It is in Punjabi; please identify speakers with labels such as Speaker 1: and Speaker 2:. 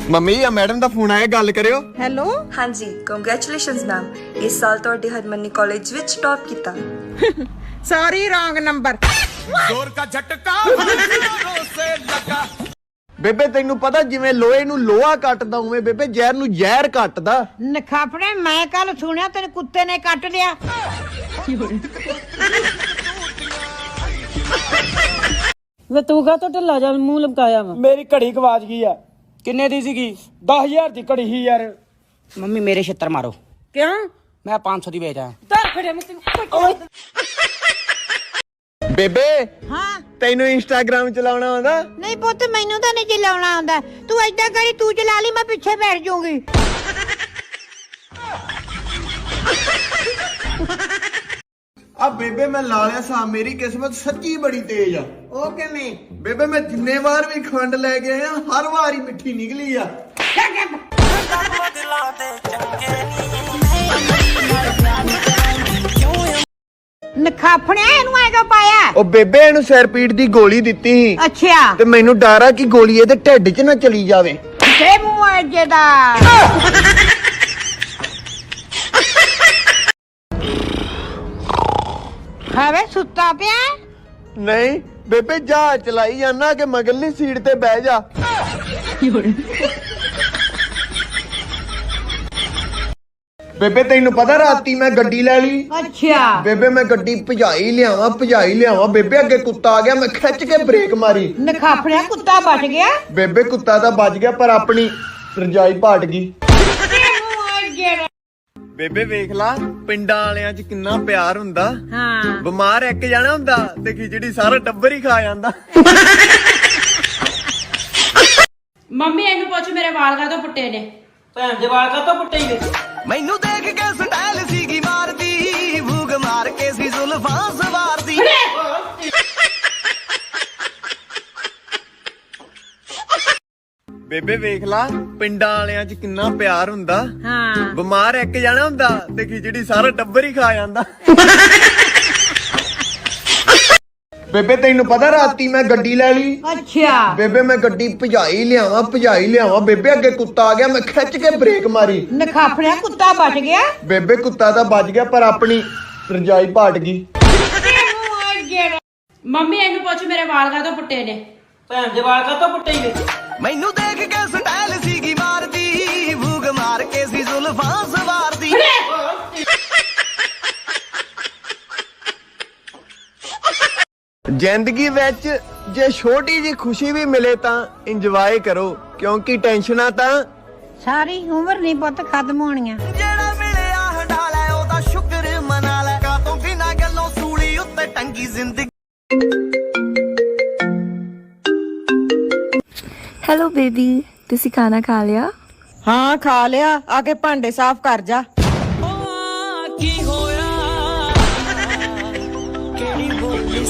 Speaker 1: ਮੰਮੀ ਆ ਮੈਡਮ ਦਾ ਫੋਨ ਆਇਆ, ਗੱਲ ਕਰਿਓ।
Speaker 2: ਹੈਲੋ।
Speaker 3: ਹਾਂਜੀ, ਕੰਗ੍ਰੈਚੁਲੇਸ਼ਨਸ ਮੈਮ, ਇਸ ਸਾਲ ਤੁਹਾਡੇ ਹਰਮਨੀ ਕਾਲਜ ਵਿੱਚ ਟੌਪ ਕੀਤਾ।
Speaker 2: Sorry, wrong number.
Speaker 4: जोर का झटका जोरों से लगा।
Speaker 1: ਬੇਬੇ ਤੈਨੂੰ ਪਤਾ ਜਿਵੇਂ ਲੋਹੇ ਨੂੰ ਲੋਹਾ ਕੱਟਦਾ ਉਵੇਂ ਬੇਬੇ ਜ਼ਹਿਰ ਨੂੰ ਜ਼ਹਿਰ ਕੱਟਦਾ।
Speaker 2: ਨਖਾਪੜੇ, ਮੈਂ ਕੱਲ ਸੁਣਿਆ ਤੇਰੇ ਕੁੱਤੇ ਨੇ ਕੱਟ ਲਿਆ।
Speaker 5: ਵੇ ਤੂੰ ਕਾ ਢਿੱਲਾ ਜਾ ਮੂੰਹ ਲਮਕਾਇਆ ਵਾ।
Speaker 6: ਮੇਰੀ ਘੜੀ ਗਵਾਚ ਗਈ ਆ। ਕਿੰਨੇ ਦੀ ਸੀਗੀ? 10,000 ਦੀ ਘੜੀ ਸੀ ਯਾਰ।
Speaker 7: ਮੰਮੀ ਮੇਰੇ ਛਿੱਤਰ ਮਾਰੋ।
Speaker 5: ਕਿਉਂ?
Speaker 7: ਮੈਂ 500 ਦੀ ਵੇਚ ਆਇਆ।
Speaker 5: ਧਰ ਖੜਿਆ ਮੈਂ
Speaker 1: ਬੇਬੇ
Speaker 2: ਹਾਂ।
Speaker 1: ਤੈਨੂੰ ਇੰਸਟਾਗ੍ਰਾਮ ਚਲਾਉਣਾ ਆਉਂਦਾ?
Speaker 2: ਨਹੀਂ ਪੁੱਤ, ਮੈਨੂੰ ਤਾਂ ਨਹੀਂ ਚਲਾਉਣਾ ਆਉਂਦਾ। ਤੂੰ ਏਦਾਂ ਕਰੀ, ਤੂੰ ਚਲਾ ਲਈ, ਮੈਂ ਪਿੱਛੇ ਬੈਠ ਜਾਊਂਗੀ।
Speaker 1: ਆ ਬੇਬੇ ਮੈਂ ਲਾ ਲਿਆ ਸਾਂ, ਮੇਰੀ ਕਿਸਮਤ ਸੱਚੀ ਬੜੀ ਤੇਜ਼ ਆ।
Speaker 2: ਉਹ ਕਿਵੇਂ?
Speaker 1: ਬੇਬੇ ਮੈਂ ਜਿੰਨੇ ਵਾਰ ਵੀ ਖੰਡ ਲੈ ਕੇ ਆਇਆ ਹਰ ਵਾਰ ਹੀ ਮਿੱਠੀ ਨਿਕਲੀ ਆ।
Speaker 2: ਨਖਾਫੜਿਆ, ਇਹਨੂੰ ਐ ਕਿਉਂ ਪਾਇਆ?
Speaker 1: ਉਹ ਬੇਬੇ ਇਹਨੂੰ ਸਿਰ ਪੀੜ ਦੀ ਗੋਲੀ ਦਿੱਤੀ ਸੀ
Speaker 2: ਅੱਛਾ,
Speaker 1: ਤੇ ਮੈਨੂੰ ਡਰ ਆ ਕਿ ਗੋਲੀ ਇਹਦੇ ਢਿੱਡ 'ਚ ਨਾ ਚਲੀ ਜਾਵੇ।
Speaker 2: ਤੇ ਮੂੰਹ ਅਜੇ ਦਾ। ਹਾਵੇ ਸੁੱਤਾ ਪਿਆ?
Speaker 1: ਨਹੀਂ ਬੇਬੇ, ਜਹਾਜ਼ ਚਲਾਈ ਜਾਨਾ ਕਿ ਮਗਰਲੀ ਸੀਟ ਤੇ ਬਹਿ ਜਾ। ਬੇਬੇ ਤੈਨੂੰ ਪਤਾ ਰਾਤੀ ਮੈਂ ਗੱਡੀ ਲੈ ਲਈ।
Speaker 2: ਅੱਛਾ।
Speaker 1: ਬੇਬੇ ਮੈਂ ਗੱਡੀ ਭਜਾਈ ਲਿਆਵਾਂ ਬੇਬੇ ਅੱਗੇ ਕੁੱਤਾ ਆ ਗਿਆ, ਮੈਂ ਖਿੱਚ ਕੇ ਬ੍ਰੇਕ ਮਾਰੀ।
Speaker 2: ਨਖਾਫੜਿਆ, ਕੁੱਤਾ ਬਚ ਗਿਆ?
Speaker 1: ਬੇਬੇ ਕੁੱਤਾ ਤਾਂ ਬਚ ਗਿਆ ਪਰ ਆਪਣੀ ਰਜਾਈ ਪਾਟ ਗਈ। ਬੇਬੇ ਵੇਖ ਲਾ ਪਿੰਡਾਂ ਵਾਲਿਆਂ 'ਚ ਕਿੰਨਾ ਪਿਆਰ ਹੁੰਦਾ।
Speaker 2: ਹਾਂ।
Speaker 1: ਬਿਮਾਰ ਇੱਕ ਜਾਣਾ ਹੁੰਦਾ ਤੇ ਖਿਚੜੀ ਸਾਰਾ ਟੱਬਰ ਹੀ ਖਾ ਜਾਂਦਾ।
Speaker 5: ਮੰਮੀ ਇਹਨੂੰ ਪੁੱਛ ਮੇਰੇ ਵਾਲ ਕਾਹਤੋਂ ਪੁੱਟੇ ਨੇ।
Speaker 7: ਭੈਣ ਦੇ ਵਾਲ ਕਾ ਤੋਂ ਪੁੱਟੇ ਹੀ
Speaker 4: ਮੈਨੂੰ ਦੇਖ ਕੇ ਸਟਾਈਲ ਸੀਗੀ ਮਾਰਦੀ, ਭੂਗ ਮਾਰ ਕੇ ਸੀ ਜ਼ੁਲਫਾਂ ਸਵਾਰਦੀ।
Speaker 1: ਬੇਬੇ ਵੇਖ ਲਾ ਪਿੰਡਾਂ ਵਾਲਿਆਂ 'ਚ ਕਿੰਨਾ ਪਿਆਰ ਹੁੰਦਾ।
Speaker 2: ਹਾਂ।
Speaker 1: ਬਿਮਾਰ ਇੱਕ ਜਾਣਾ ਹੁੰਦਾ ਤੇ ਖਿਚੜੀ ਸਾਰਾ ਟੱਬਰ ਹੀ ਖਾ ਜਾਂਦਾ। ਬੇਬੇ ਤੈਨੂੰ ਪਤਾ ਰਾਤੀ ਮੈਂ ਗੱਡੀ ਲੈ ਲਈ।
Speaker 2: ਅੱਛਾ।
Speaker 1: ਬੇਬੇ ਮੈਂ ਗੱਡੀ ਭਜਾਈ ਲਿਆਵਾਂ ਬੇਬੇ ਅੱਗੇ ਕੁੱਤਾ ਆ ਗਿਆ, ਮੈਂ ਖਿੱਚ ਕੇ ਬ੍ਰੇਕ ਮਾਰੀ।
Speaker 2: ਨਖਾਫੜਿਆ, ਕੁੱਤਾ ਬਚ ਗਿਆ?
Speaker 1: ਬੇਬੇ ਕੁੱਤਾ ਤਾਂ ਬਚ ਗਿਆ ਪਰ ਆਪਣੀ ਰਜਾਈ ਪਾਟ ਗਈ।
Speaker 5: ਮੰਮੀ ਇਹਨੂੰ ਪੁੱਛ ਮੇਰੇ ਵਾਲ ਕਾਹਤੋਂ ਪੁੱਟੇ ਨੇ।
Speaker 7: ਭੈਣ ਦੇ ਵਾਲ ਕਾ ਤੋਂ ਪੁੱਟੇ ਹੀ
Speaker 4: ਮੈਨੂੰ ਦੇਖ ਕੇ ਸਟਾਈਲ ਸੀਗੀ ਮਾਰਦੀ, ਭੂਗ ਮਾਰ ਕੇ ਸੀ ਜ਼ੁਲਫਾਂ ਸਵਾਰਦੀ।
Speaker 1: ਜ਼ਿੰਦਗੀ ਵਿੱਚ ਜੇ ਛੋਟੀ ਜੀ ਖੁਸ਼ੀ ਵੀ ਮਿਲੇ ਤਾਂ ਇੰਜੋਏ ਕਰੋ, ਕਿਉਂਕਿ ਟੈਨਸ਼ਨਾਂ ਤਾਂ
Speaker 2: ਸਾਰੀ ਉਮਰ ਨਹੀਂ ਪੁੱਤ ਖਤਮ ਹੋਣੀਆਂ।
Speaker 4: ਜਿਹੜਾ ਮਿਲਿਆ ਹੰਡਾ ਲੈ ਉਹਦਾ ਸ਼ੁਕਰ ਮਨਾ ਲੈ, ਕਾਤੋਂ ਬਿਨਾਂ ਗੱਲੋਂ ਸੂਲੀ ਉੱਤੇ ਟੰਗੀ ਜ਼ਿੰਦਗੀ।
Speaker 3: ਹੈਲੋ ਬੇਬੀ, ਤੁਸੀਂ ਖਾਣਾ ਖਾ ਲਿਆ?
Speaker 2: ਹਾਂ, ਖਾ ਲਿਆ। ਆ ਕੇ ਭਾਂਡੇ ਸਾਫ਼ ਕਰ ਜਾ।
Speaker 7: ਕੀ ਹੋਇਆ ਕਿਹੜੀ